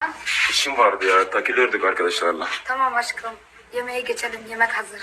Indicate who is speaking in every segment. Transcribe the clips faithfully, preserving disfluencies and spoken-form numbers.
Speaker 1: İşim vardı ya, takılıyorduk arkadaşlarla.
Speaker 2: Tamam aşkım. Yemeğe geçelim. Yemek hazır.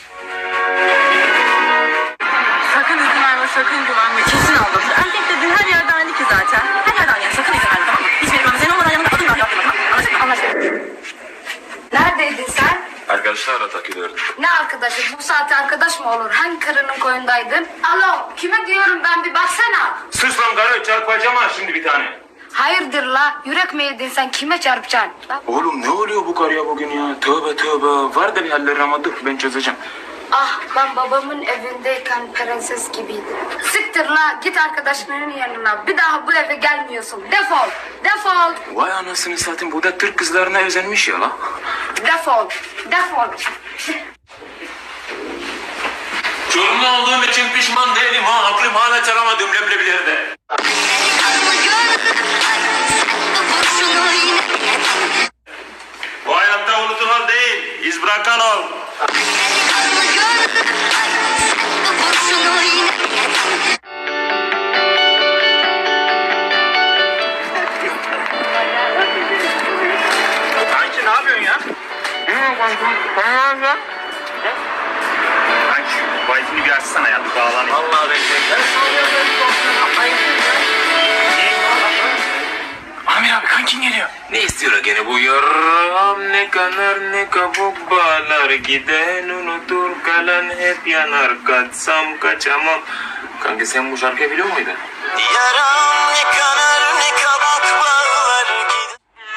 Speaker 3: Sakın izin verme, sakın güvenme. Kesin aldatır. Erkek dediğin her yerde aynı ki zaten. Her yerden yani sakın izin verme, tamam mı? Hiçbir yere senin olmadan yanında adım dahi atma. Anlaştık mı? Anlaştık.
Speaker 2: Neredeydin sen?
Speaker 1: Arkadaşlarla takılıyorduk.
Speaker 2: Ne arkadaşı? Bu saatte arkadaş mı olur? Hangi karının koyundaydın? Alo, kime diyorum ben, bir baksana.
Speaker 1: Sus lan karı, çarpacağım ha şimdi bir tane.
Speaker 2: Hayırdır la? Yürek mi yedin sen? Kime çarpacaksın? La.
Speaker 1: Oğlum ne oluyor bu karıya bugün ya? Tövbe tövbe. Var da bir halleri ama dur ben çözeceğim.
Speaker 2: Ah, ben babamın evindeyken prenses gibiydim. Siktir la, git arkadaşlarının yanına. Bir daha bu eve gelmiyorsun. Defol, defol,
Speaker 1: Vay anasını satayım, bu da Türk kızlarına özenmiş ya la.
Speaker 2: defol, defol.
Speaker 1: Çorumlu olduğum için pişman değilim ha. Aklım hala çalamadım leblebilerde. Bu hayatta unutulan değil, iz bırakan ol. Kanki ne yapıyorsun ya? Kanki şu Wi-Fi'ni bir açsana ya, bir bağlanayım. Vallahi bekle. Amir abi kankin geliyor. Ne istiyor gene bu yaram, ne kanar ne kabuk bağlar, giden unutur kalan hep yanar, kaçsam kaçamam. Kanka sen bu şarkıyı biliyor muydun?
Speaker 4: Yaram ne kanar ne kabuk bağlar, gider.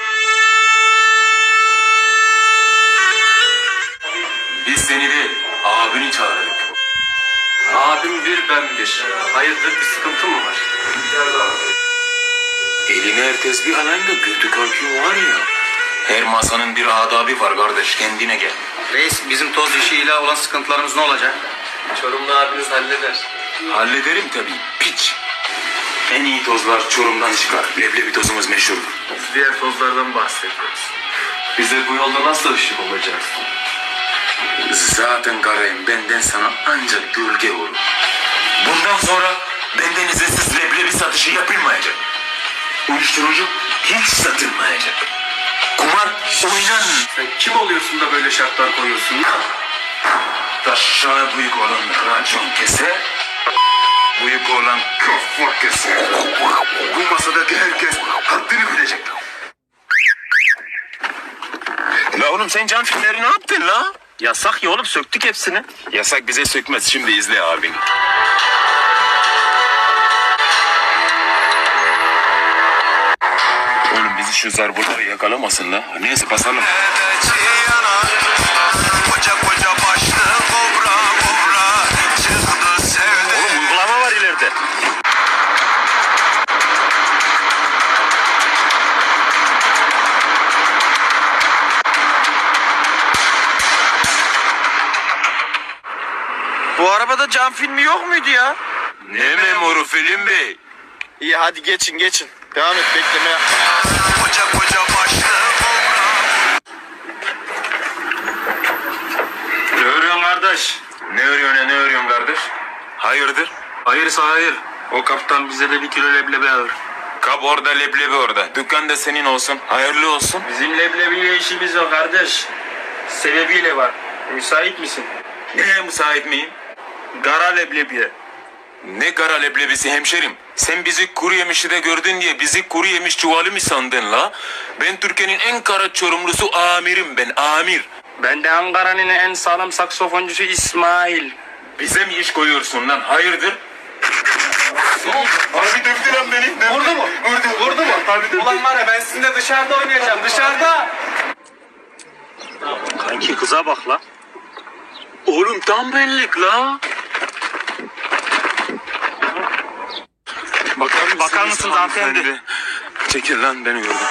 Speaker 1: Biz seni değil, abini çağırdık. Abim bir, ben bir. Hayırdır, bir sıkıntı mı var? Eline herkes bir alayında götü kalkıyor var ya. Her masanın bir adabı var kardeş, kendine gel.
Speaker 5: Reis, bizim toz işiyle olan sıkıntılarımız ne olacak?
Speaker 1: Çorumlu abiniz halleder. Hallederim tabii, piç. En iyi tozlar Çorum'dan çıkar. Leblebi tozumuz meşhur. Biz diğer tozlardan bahsediyoruz. Bize bu yolda nasıl ışık olacağız? Zaten karayım, benden sana ancak gölge olur. Bundan sonra benden izinsiz leblebi satışı yapılmayacak. Uyuşturucu hiç satılmayacak. Kumar oynan.
Speaker 5: Sen kim oluyorsun da böyle şartlar koyuyorsun?
Speaker 1: Taşağı büyük olan racon kese, büyük olan kafa kese. Bu masadaki herkes haddini bilecek. La oğlum sen can filmleri ne yaptın la?
Speaker 5: Yasak ya oğlum, söktük hepsini.
Speaker 1: Yasak bize sökmez, şimdi izle abin. Oğlum bizi şu zarboları yakalamasın la. Neyse basalım.
Speaker 4: Koca koca başlı kobra kobra çıktı sevdi.
Speaker 5: Oğlum uygulama var ileride. Bu arabada cam filmi yok muydu ya?
Speaker 1: Ne memoru film bey?
Speaker 5: İyi hadi geçin geçin. Devam et, bekleme yapma.
Speaker 4: Koca koca başlı kobra.
Speaker 1: Ne örüyorsun kardeş? Ne örüyorsun ne örüyorsun kardeş? Hayırdır?
Speaker 5: Hayırsa hayır. O kaptan bize de bir kilo leblebi alır.
Speaker 1: Kap orada leblebi orada. Dükkan da senin olsun. Hayırlı olsun.
Speaker 5: Bizim leblebiyle işimiz yok kardeş. Sebebiyle var. Müsait misin?
Speaker 1: Neye müsait miyim?
Speaker 5: Gara leblebiye.
Speaker 1: Ne kara leblebisi hemşerim? Sen bizi kuru yemişi de gördün diye bizi kuru yemiş çuvalı mı sandın la? Ben Türkiye'nin en kara Çorumlusu amirim ben, amir.
Speaker 5: Ben de Ankara'nın en sağlam saksofoncusu İsmail.
Speaker 1: Bize mi iş koyuyorsun lan? Hayırdır? Abi dövdü lan beni. Dövdü.
Speaker 5: Vurdu mu?
Speaker 1: Vurdu.
Speaker 5: Vurdu mu?
Speaker 1: Abi dövdü.
Speaker 5: Ulan var ya, ben sizinle dışarıda oynayacağım, dışarıda. Kanki kıza bak la.
Speaker 1: Oğlum tam benlik la. Bakar,
Speaker 5: Bakar mısınız hanımefendi?
Speaker 1: Çekil lan, beni gördüm.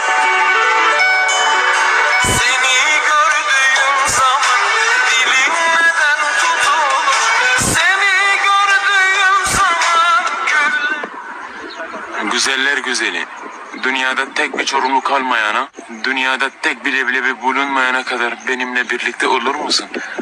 Speaker 4: Seni gördüğüm zaman dilim neden tutulur? Seni gördüğüm zaman gül.
Speaker 1: Güzeller güzeli. Dünyada tek bir Çorumlu kalmayana, dünyada tek bir leblebi bulunmayana kadar benimle birlikte olur musun?